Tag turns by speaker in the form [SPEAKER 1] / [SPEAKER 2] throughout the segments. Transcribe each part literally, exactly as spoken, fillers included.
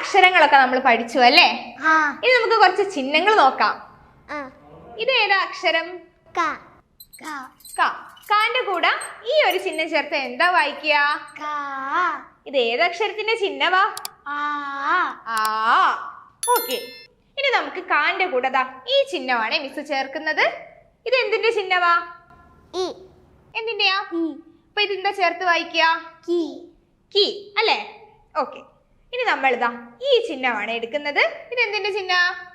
[SPEAKER 1] അക്ഷരങ്ങളൊക്കെ നമ്മൾ പഠിച്ചു അല്ലേ? ഇനി നമുക്ക് കുറച്ച് ചിഹ്നങ്ങൾ നോക്കാം. ഇത് ഏതാ അക്ഷരം? കാന്റെ കൂടെ ഈ ഒരു ചിഹ്നം ചേർത്ത് എന്താ വായിക്കുക? ഇത് ഏതക്ഷരത്തിന്റെ ചിഹ്നവാ? ആ. ഓക്കെ, ഇനി നമുക്ക് കാന്റെ കൂടെ ദാ ഈ ചിഹ്നമാണ് മിസ് ചേർക്കുന്നത്. ഇത് എന്തിന്റെ ചിഹ്നവാ? എന്തിന്റെയാ? അപ്പൊ ഇതെന്താ ചേർത്ത് വായിക്കുക? കീ അല്ലേ? ഓക്കെ, ഇനി നമ്മൾ ഇതാ ഈ ചിഹ്നമാണ് എടുക്കുന്നത്. ഇത് എന്തിന്റെ ചിഹ്ന?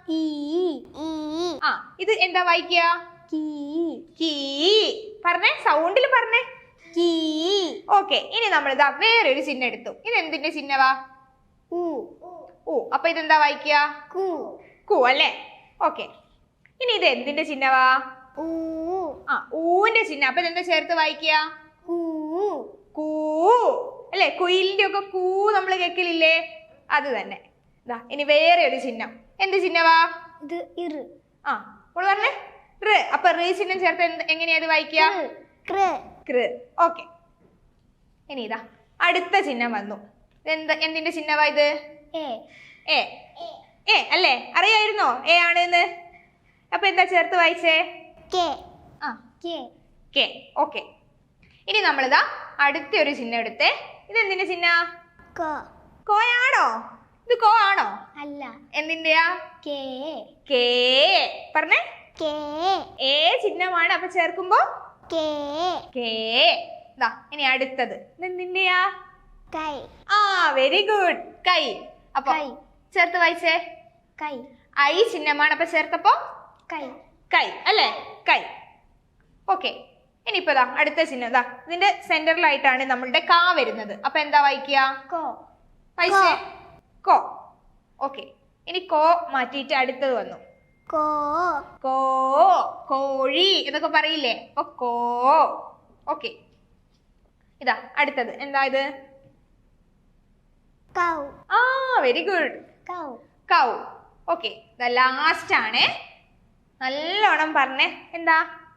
[SPEAKER 1] ആ, ഇത് എന്താ വായിക്കുക? കീ. പറഞ്ഞേ, സൗണ്ടിൽ പറഞ്ഞേ. കീ. ഓക്കെ, ഇനി നമ്മൾ ഇതാ വേറൊരു ചിഹ്നം എടുത്തു. ഇത് എന്തിന്റെ ചിഹ്നവാ? ഊ. അപ്പൊ ഇതെന്താ വായിക്കുക? കൂ അല്ലേ? ഓക്കെ, ഇനി ഇത് എന്തിന്റെ ചിഹ്നവാ? ആ, ഊന്റെ ചിഹ്നം. അപ്പൊ ഇതെന്താ ചേർത്ത് വായിക്കുക? കൂ അല്ലേ? കുയിലിന്റെ ഒക്കെ കൂ നമ്മൾ കേൾക്കലില്ലേ? അത് തന്നെ. ഇതാ ഇനി വേറെ ഒരു ചിഹ്നം. എന്ത് ചിഹ്നവാ? ആ, അപ്പോൾ പറഞ്ഞേ റ്. അപ്പൊ റ് ചിഹ്നം ചേർത്ത് എങ്ങനെയാ അത് വായിക്കുക? ഓക്കെ, ഇനി ഇതാ അടുത്ത ചിഹ്നം വന്നു. എന്താ എന്തിന്റെ ചിഹ്നവാ ഇത്? എ. എ അല്ലേ? അറിയായിരുന്നോ എ ആണെന്ന്? അപ്പൊ എന്താ ചേർത്ത് വായിച്ചേ? കെ. ഓക്കെ, ഇനി നമ്മളിതാ അടുത്ത ഒരു ചിഹ്നം എടുത്തേ. ഇത് എന്തിന്റെ ചിഹ്ന? കോയാണോ? ഇത് കോ ആണോ? അല്ല. എന്തിന്റെയാ? കേ. പറഞ്ഞേ. ഏ ചിഹ്നമാണ്. അപ്പൊ ചേർക്കുമ്പോ കേ. ദാ ഇനി അടുത്തത് എന്തിന്റെയാ? ആ, വെരി ഗുഡ്, കൈ. അപ്പൊ ചേർത്ത് വായിച്ചേ. ഐ ചിഹ്നമാണ്. അപ്പൊ ചേർത്തപ്പോ കൈ അല്ലേ? കൈ. ഓക്കെ, ഇനിയിപ്പോ ദാ അടുത്ത ചിഹ്നം. ദാ ഇതിന്റെ സെന്ററിലായിട്ടാണ് നമ്മളുടെ കാ വരുന്നത്. അപ്പൊ എന്താ വായിക്കുക? വായിച്ചേ. കോ. ഓക്കെ, ഇനി കോ മാറ്റിയിട്ട് അടുത്തത് വന്നു. കോ. കോഴി എന്നൊക്കെ പറയില്ലേ? അപ്പൊ കോ. ഓക്കെ, ഇതാ അടുത്തത് എന്താ ഇത്? ആ, very good, cow. Okay, last ആണ്. നല്ലോണം പറഞ്ഞേ. എന്താ?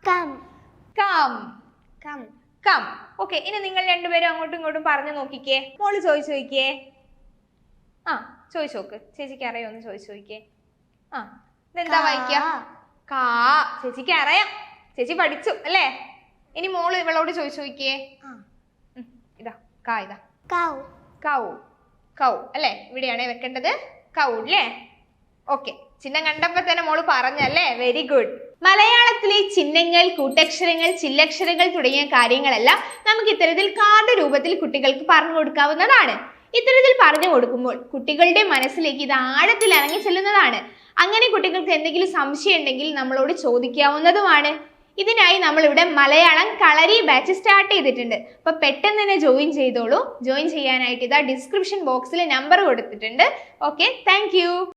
[SPEAKER 1] കം. ഓക്കെ, ഇനി നിങ്ങൾ രണ്ടുപേരും അങ്ങോട്ടും ഇങ്ങോട്ടും പറഞ്ഞു നോക്കിക്കേ. മോള് ചോദിച്ചു നോക്കിയേ. ആ, ചോദിച്ചു നോക്ക്. ചേച്ചിക്ക് അറിയോന്ന് ചോദിച്ചു നോക്കിയേ. ആ, ഇതെന്താ വായിക്കുക? കാ. ചേച്ചിക്ക് അറിയാം, ചേച്ചി പഠിച്ചു അല്ലേ? ഇനി മോള് ഇവളോട് ചോദിച്ചു നോക്കിയേ. ഇതാ കാ. ഇതാ കൗ. കൗ അല്ലേ? ഇവിടെയാണ് വെക്കേണ്ടത്. കൗ അല്ലേ? ഓക്കെ, ചിഹ്നം കണ്ടപ്പോ തന്നെ മോള് പറഞ്ഞല്ലേ? Very good. മലയാളത്തിലെ ചിഹ്നങ്ങൾ, കൂട്ടക്ഷരങ്ങൾ, ചില്ലക്ഷരങ്ങൾ തുടങ്ങിയ കാര്യങ്ങളെല്ലാം നമുക്ക് ഇത്തരത്തിൽ കാർഡ് രൂപത്തിൽ കുട്ടികൾക്ക് പറഞ്ഞു കൊടുക്കാവുന്നതാണ്. ഇത്തരത്തിൽ പറഞ്ഞു കൊടുക്കുമ്പോൾ കുട്ടികളുടെ മനസ്സിലേക്ക് ഇത് ആഴത്തിൽ ഇറങ്ങി ചെല്ലുന്നതാണ്. അങ്ങനെ കുട്ടികൾക്ക് എന്തെങ്കിലും സംശയം ഉണ്ടെങ്കിൽ നമ്മളോട് ചോദിക്കാവുന്നതുമാണ്. ഇതിനായി നമ്മൾ ഇവിടെ മലയാളം കളരി ബാച്ച് സ്റ്റാർട്ട് ചെയ്തിട്ടുണ്ട്. അപ്പൊ പെട്ടെന്ന് തന്നെ ജോയിൻ ചെയ്തോളൂ. ജോയിൻ ചെയ്യാനായിട്ട് ഇതാ ഡിസ്ക്രിപ്ഷൻ ബോക്സിൽ നമ്പർ കൊടുത്തിട്ടുണ്ട്. Okay, thank U.